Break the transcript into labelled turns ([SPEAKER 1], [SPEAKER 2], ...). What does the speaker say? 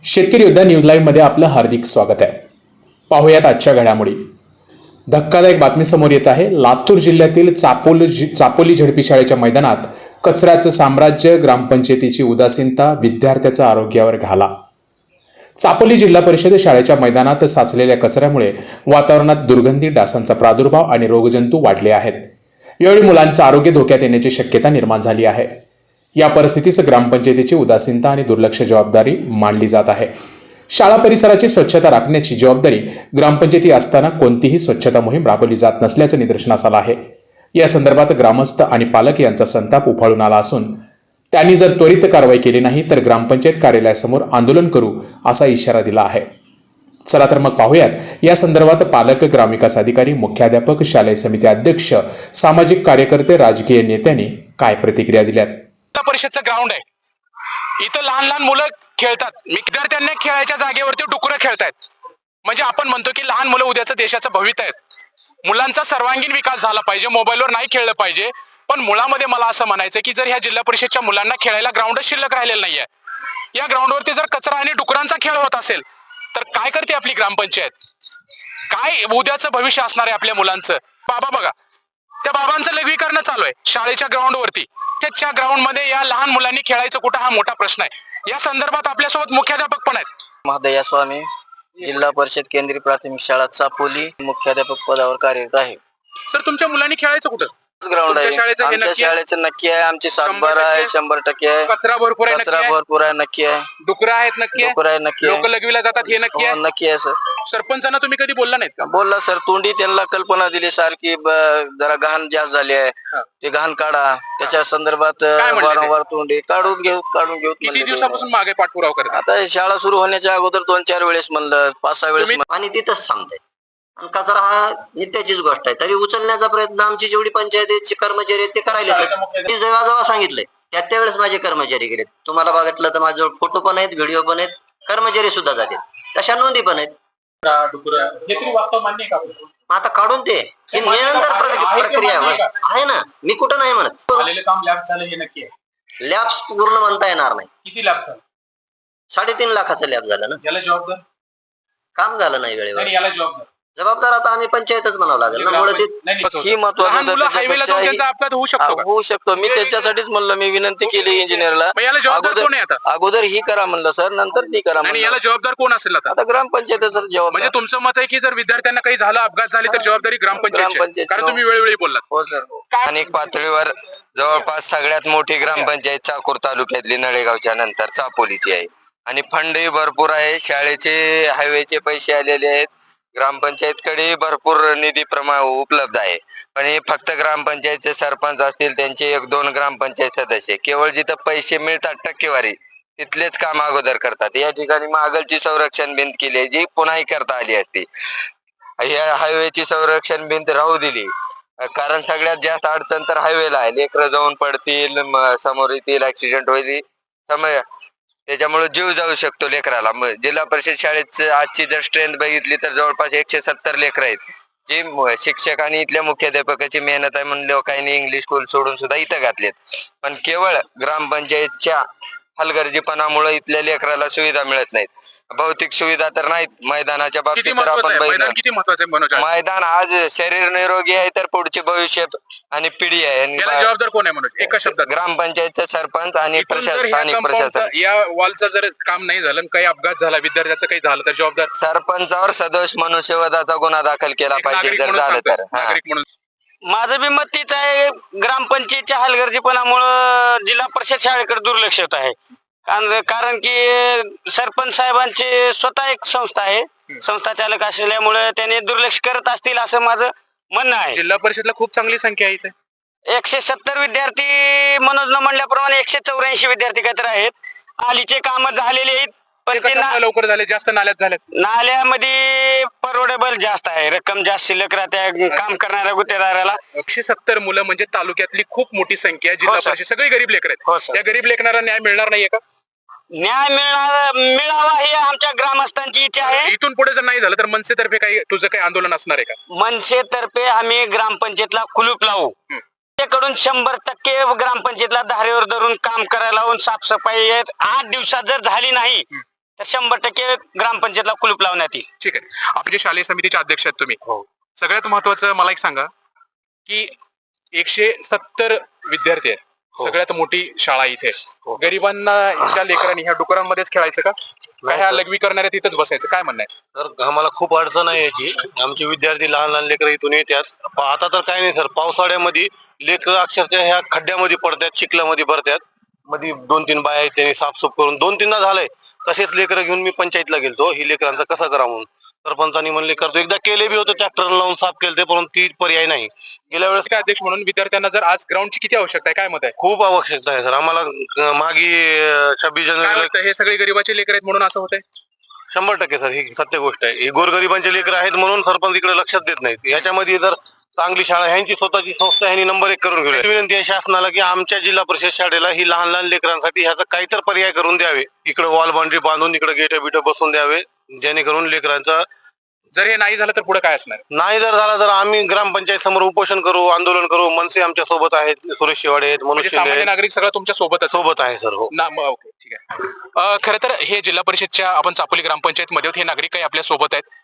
[SPEAKER 1] शेतकरी योद्धा news live मध्ये आपलं हार्दिक स्वागत आहे. पाहूयात आजच्या घडामोडी. धक्कादायक बातमी समोर येत आहे. लातूर जिल्ह्यातील चापोली झडपी शाळेच्या मैदानात कचऱ्याचं साम्राज्य, ग्रामपंचायतीची उदासीनता, विद्यार्थ्याच्या आरोग्यावर घाला. चापोली जिल्हा परिषद शाळेच्या मैदानात साचलेल्या कचऱ्यामुळे वातावरणात दुर्गंधी, डासांचा प्रादुर्भाव आणि रोगजंतू वाढले आहेत. यावेळी मुलांचं आरोग्य धोक्यात येण्याची शक्यता निर्माण झाली आहे. या परिस्थितीस ग्रामपंचायतीची उदासीनता आणि दुर्लक्ष जबाबदारी मानली जात आहे. शाळा परिसराची स्वच्छता राखण्याची जबाबदारी ग्रामपंचायती असताना कोणतीही स्वच्छता मोहीम राबवली जात नसल्याचं निदर्शनास आलं आहे. या संदर्भात ग्रामस्थ आणि पालक यांचा संताप उफाळून आला असून त्यांनी जर त्वरित कारवाई केली नाही तर ग्रामपंचायत कार्यालयासमोर आंदोलन करू असा इशारा दिला आहे. चला तर मग पाहूयात या संदर्भात पालक, ग्रामविकास अधिकारी, मुख्याध्यापक, शालेय समिती अध्यक्ष, सामाजिक कार्यकर्ते, राजकीय नेत्यांनी काय प्रतिक्रिया दिल्यात.
[SPEAKER 2] परिषदचं ग्राउंड आहे. इथं लहान लहान मुलं खेळतात. विद्यार्थ्यांना खेळायच्या जागेवरती डुकरं खेळतायत. म्हणजे आपण म्हणतो की लहान मुलं उद्याचं देशाचं भवितव्य आहेत. मुलांचा सर्वांगीण विकास झाला पाहिजे, मोबाईलवर नाही खेळलं पाहिजे. पण मुळामध्ये मला असं म्हणायचं की जर ह्या जिल्हा परिषदच्या मुलांना खेळायला ग्राउंड शिल्लक राहिलेलं नाहीये, या ग्राउंडवरती जर कचरा आणि डुकरांचा खेळ होत असेल तर काय करते आपली ग्रामपंचायत? काय उद्याचं भविष्य असणार आहे आपल्या मुलांचं? बाबा बघा, त्या बाबांचं लघवीकरण चालू आहे शाळेच्या ग्राउंडवरती. त्याच्या ग्राउंड मध्ये या लहान मुलांनी खेळायचं कुठं, हा मोठा प्रश्न आहे. या संदर्भात आपल्यासोबत मुख्याध्यापक पण आहेत.
[SPEAKER 3] महादया स्वामी, जिल्हा परिषद केंद्रीय प्राथमिक शाळा चापोली, मुख्याध्यापक पदावर कार्यरत आहे.
[SPEAKER 2] सर, तुमच्या मुलांनी खेळायचं कुठं?
[SPEAKER 3] ग्राउंड आहे.
[SPEAKER 2] शाळेचं हे
[SPEAKER 3] आमच्या
[SPEAKER 2] नक्की आहे?
[SPEAKER 3] शाळेचं नक्की आहे. आमची 7-12 आहे, 100% आहे.
[SPEAKER 2] कचरा भरपूर आहे, नक्की
[SPEAKER 3] कचरा
[SPEAKER 2] आहे?
[SPEAKER 3] भरपूर आहे, नक्की आहे.
[SPEAKER 2] डुकरं आहेत, नक्की आहे?
[SPEAKER 3] डुकरं आहे, नक्की आहे.
[SPEAKER 2] लोक लघवीला जातात, हे नक्की आहे?
[SPEAKER 3] हो, नक्की आहे सर.
[SPEAKER 2] सरपंचांना तुम्ही कधी बोलला नाहीत का?
[SPEAKER 3] बोलला सर, तोंडी त्यांना कल्पना दिली सारखी जरा घाण जास्त झाली आहे, ते घाण काढा. त्याच्या संदर्भात
[SPEAKER 2] म्हणले ते?
[SPEAKER 3] वारंवार तोंडी काढून घेऊ
[SPEAKER 2] किती
[SPEAKER 3] म्हणले ते.
[SPEAKER 2] दिवसापासून मागे पाठपुरावा करतात?
[SPEAKER 3] आता शाळा सुरू होण्याच्या अगोदर 2-4 वेळेस म्हणलं, 5-6 वेळेस
[SPEAKER 2] तुम्ही-
[SPEAKER 3] आणि तिथंच थांबतंय. आणि कचरा हा नित्याचीच गोष्ट आहे. तरी उचलण्याचा प्रयत्न आमची जेवढी पंचायतीचे कर्मचारी आहेत ते करायला. मी जेव्हा जेव्हा सांगितलंय त्यावेळेस माझे कर्मचारी गेलेत. तुम्हाला बघितलं तर माझ्याजवळ फोटो पण आहेत, व्हिडिओ पण आहेत, कर्मचारी सुद्धा जातील, तशा नोंदी पण आहेत.
[SPEAKER 2] हे तरी वास्तव मान्य आहे का?
[SPEAKER 3] आता काढून ते ही निरंतर प्रक्रिया आहे ना. मी कुठं नाही म्हणत.
[SPEAKER 2] आलेलं काम लॅब झालं हे नक्की आहे?
[SPEAKER 3] लॅब्स पूर्ण म्हणता येणार नाही.
[SPEAKER 2] किती लॅब झालं?
[SPEAKER 3] 3.5 लाखाचं लॅब झालं ना.
[SPEAKER 2] याला जबाबदार
[SPEAKER 3] काम झालं नाही वेळेवर.
[SPEAKER 2] नाही, याला जबाबदार
[SPEAKER 3] जबाबदार आता आम्ही पंचायतच म्हणावं लागेल ना. मुळे ही महत्वाची
[SPEAKER 2] हायवेला जाऊन त्यांचा अपघात होऊ शकतो का?
[SPEAKER 3] होऊ शकतो. मी त्याच्यासाठीच म्हणलं, मी विनंती केली इंजिनियरला,
[SPEAKER 2] मग याला जबाबदार कोण आहे आता?
[SPEAKER 3] अगोदर ही करा म्हणलं सर, नंतर ती करा
[SPEAKER 2] आणि
[SPEAKER 3] म्हणलं.
[SPEAKER 2] याला जबाबदार कोण असेल आता?
[SPEAKER 3] आता ग्रामपंचायतचा जबाब.
[SPEAKER 2] म्हणजे तुमचं मत आहे की जर विद्यार्थ्यांना काही झालं, अपघात झाले तर जबाबदारी ग्रामपंचायत,
[SPEAKER 3] ग्रामपंचायत.
[SPEAKER 2] कारण तुम्ही वेळोवेळी बोललात.
[SPEAKER 3] हो सर.
[SPEAKER 4] स्थानिक पातळीवर जवळपास सगळ्यात मोठी ग्रामपंचायत चाकूर तालुक्यातली नळेगावच्या नंतर चापोलीची आहे आणि फंडही भरपूर आहे. शाळेचे, हायवेचे पैसे आलेले आहेत. ग्रामपंचायतकडे भरपूर निधी उपलब्ध आहे. पण हे फक्त ग्रामपंचायतचे सरपंच असतील, त्यांचे 1-2 ग्रामपंचायत सदस्य केवळ जिथं पैसे मिळतात टक्केवारी तिथलेच काम अगोदर करतात. या ठिकाणी मागलची संरक्षण भिंत केली जी पुन्हाही करता आली असती. या हायवेची संरक्षण भिंत राहू दिली कारण सगळ्यात जास्त अडचण तर हायवेला आहे. लेकरं जाऊन पडतील, समोर येतील, ऍक्सिडेंट होईल, समय त्याच्यामुळे जीव जाऊ शकतो लेकराला. जिल्हा परिषद शाळेत आजची जर स्ट्रेंथ बघितली तर जवळपास 170 लेकरं आहेत. जी शिक्षक आणि इथल्या मुख्याध्यापकाची मेहनत आहे म्हणून लोकांनी इंग्लिश स्कूल सोडून सुद्धा इथं घातलेत. पण केवळ ग्रामपंचायतच्या हलगर्जीपणामुळे इथल्या लेकराला सुविधा मिळत नाहीत. भौतिक सुविधा तर नाहीत. मैदानाच्या बाबतीत तर आपण
[SPEAKER 2] मैदान किती महत्वाचं आहे?
[SPEAKER 4] मैदान आज शरीर निरोगी आहे तर पुढचे भविष्य आणि पिढी आहे.
[SPEAKER 2] याला जबाबदार कोण आहे म्हणून एका शब्दात?
[SPEAKER 4] ग्रामपंचायतचा सरपंच आणि
[SPEAKER 2] स्थानिक प्रशासन. या वॉलचं जर काम नाही झालं, काही अपघात झाला, विद्यार्थ्याचं काही झालं तर जबाबदार
[SPEAKER 4] सरपंचावर सदोष मनुष्यवधाचा गुन्हा दाखल केला पाहिजे जर झालं तर.
[SPEAKER 2] नागरिक म्हणून
[SPEAKER 3] माझं बी मत तीच आहे. ग्रामपंचायतच्या हलगर्जीपणामुळं जिल्हा परिषद शाळेकडे दुर्लक्ष होत आहे. कारण की सरपंच साहेबांची स्वतः एक संस्था आहे, संस्था चालक असल्यामुळे त्यांनी दुर्लक्ष करत असतील असं माझं म्हणणं आहे.
[SPEAKER 2] जिल्हा परिषदला खूप चांगली संख्या आहे इथे.
[SPEAKER 3] 170 विद्यार्थी, मनोज न म्हणल्याप्रमाणे 184 विद्यार्थी काहीतरी आहेत. आलीचे काम झालेले आहेत पण ते
[SPEAKER 2] लवकर झाले, जास्त नाल्यात झाले.
[SPEAKER 3] नाल्यामध्ये परवडेबल जास्त आहे, रक्कम जास्त शिल्लक राहते काम करणाऱ्या गुत्तेदाराला.
[SPEAKER 2] 170 मुलं म्हणजे तालुक्यातली खूप मोठी संख्या आहे. जिल्हा परिषद सगळी गरीब लेकर आहेत. त्या गरीब लेकरांना न्याय मिळणार नाहीये का?
[SPEAKER 3] न्याय मिळावा ही आमच्या ग्रामस्थांची इच्छा आहे.
[SPEAKER 2] इथून पुढे जर नाही झालं तर मनसेतर्फे काही तुझं काही आंदोलन असणार आहे का?
[SPEAKER 3] मनसेतर्फे आम्ही ग्रामपंचायतला कुलूप लावू. कडून 100% ग्रामपंचायतला धारेवर धरून काम करायला लावून साफसफाई 8 दिवसात जर झाली नाही तर 100% ग्रामपंचायतला कुलूप लावण्यात येईल.
[SPEAKER 2] ठीक आहे. आपण जे शालेय समितीचे अध्यक्ष आहेत तुम्ही, सगळ्यात महत्वाचं मला एक सांगा की 170 विद्यार्थी आहेत, सगळ्यात मोठी शाळा इथे आहे. गरिबांना ह्या लेकरांनी ह्या डुकरांमध्येच खेळायचं का ह्या लघवी करणाऱ्या तिथंच बसायचं, काय म्हणणं आहे?
[SPEAKER 5] तर आम्हाला खूप अडचण आहे याची. आमचे विद्यार्थी लहान लहान लेकरं इथून येतात. आता तर काही नाही सर, पावसाळ्यामध्ये लेकरं अक्षरशः ह्या खड्ड्यामध्ये पडतात, चिखलामध्ये भरतात. मध्ये 2-3 बाया आहेत, त्यांनी साफसूफ करून 2-3दा झालंय. तसेच लेकरं घेऊन मी पंचायतला गेलतो, ही लेकरांचं कसं करा म्हणून. सरपंचांनी म्हणले करतो, एकदा केले बी होते, ट्रॅक्टर लावून साफ केले, परंतु ती पर्याय नाही. गेल्या वेळेस
[SPEAKER 2] काय अध्यक्ष म्हणून विद्यार्थ्यांना जर आज ग्राउंडची किती आवश्यकता आहे, काय मत आहे?
[SPEAKER 5] खूप आवश्यकता आहे सर आम्हाला. मागे 26
[SPEAKER 2] काय
[SPEAKER 5] जानेवारीला
[SPEAKER 2] वाटतं, हे सगळे गरिबाचे लेकर आहेत म्हणून असं होतंय?
[SPEAKER 5] 100% सर, ही सत्य गोष्ट आहे. ही गोरगरिबांचे लेकर आहेत म्हणून सरपंच इकडे लक्षात देत नाहीत. याच्यामध्ये जर चांगली शाळा, ह्यांची स्वतःची संस्था ह्यांनी नंबर 1 करून घेऊया. विनंती आहे शासनाला की आमच्या जिल्हा परिषद शाळेला ही लहान लहान लेकरांसाठी ह्याचा काहीतरी पर्याय करून द्यावे. इकडे वॉल बाउंड्री बांधून इकडे गेट बिट बसून द्यावे, जेणेकरून लेकरांचा.
[SPEAKER 2] जर हे नाही झालं तर पुढे काय असणार?
[SPEAKER 5] नाही जर झाला तर आम्ही ग्रामपंचायत समोर उपोषण करू, आंदोलन करू. मनसे आमच्या सोबत आहेत, सुरेश शिवाडे आहेत,
[SPEAKER 2] म्हणजे
[SPEAKER 5] मनुष्य
[SPEAKER 2] सामान्य नागरिक सगळं तुमच्या सोबतच
[SPEAKER 5] सोबत आहे सर. हो
[SPEAKER 2] ओके, ठीक आहे. खरं तर हे जिल्हा परिषदच्या आपण चापोली ग्रामपंचायत मध्ये आहोत. हे नागरिक काही आपल्या सोबत आहेत.